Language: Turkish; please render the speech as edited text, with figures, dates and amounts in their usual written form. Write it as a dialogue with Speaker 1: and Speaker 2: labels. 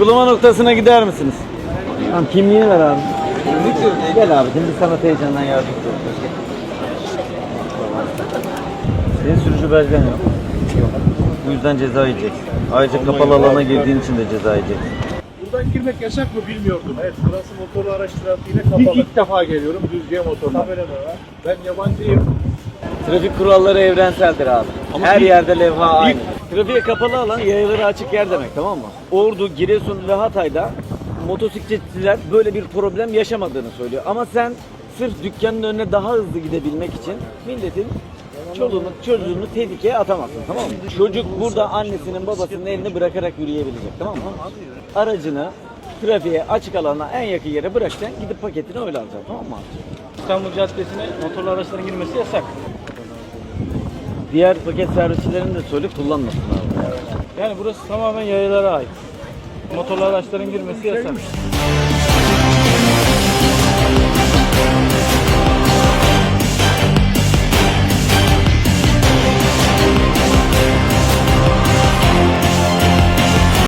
Speaker 1: Uygulama noktasına gider misiniz? Tamam, kimliğini ver abi. Gel abi, şimdi sana heyecandan yardımcı olacağız. Senin sürücü belgen yok. Bu yüzden ceza yiyeceksin. Ayrıca kapalı alana girdiğin için de ceza yiyeceksin.
Speaker 2: Buradan girmek yasak mı bilmiyordum. Evet, burası motorlu araç trafiğine kapalı. İlk defa geliyorum Düzce'ye motorla. Tabela da var. Ben yabancıyım.
Speaker 1: Trafik kuralları evrenseldir abi.
Speaker 2: Ama
Speaker 1: her
Speaker 2: bir-
Speaker 1: yerde levha aynı. Trafiğe kapalı alan yayaları açık yer demek, tamam mı? Ordu, Giresun ve Hatay'da motosikletçiler böyle bir problem yaşamadığını söylüyor. Ama sen sırf dükkanın önüne daha hızlı gidebilmek için milletin çoluğunu, çocuğunu tehlikeye atamazsın, tamam mı? Çocuk burada annesinin babasının elini bırakarak yürüyebilecek, tamam mı? Aracını trafiğe açık alana en yakın yere bırakacaksın, gidip paketini öyle alacaksın, tamam mı abi?
Speaker 3: İstanbul Caddesi'ne motorlu araçların girmesi yasak.
Speaker 1: Diğer paket servisçilerin de söyle kullanmasın abi.
Speaker 3: Yani burası tamamen yayalara ait. Motorlu araçların girmesi yasak.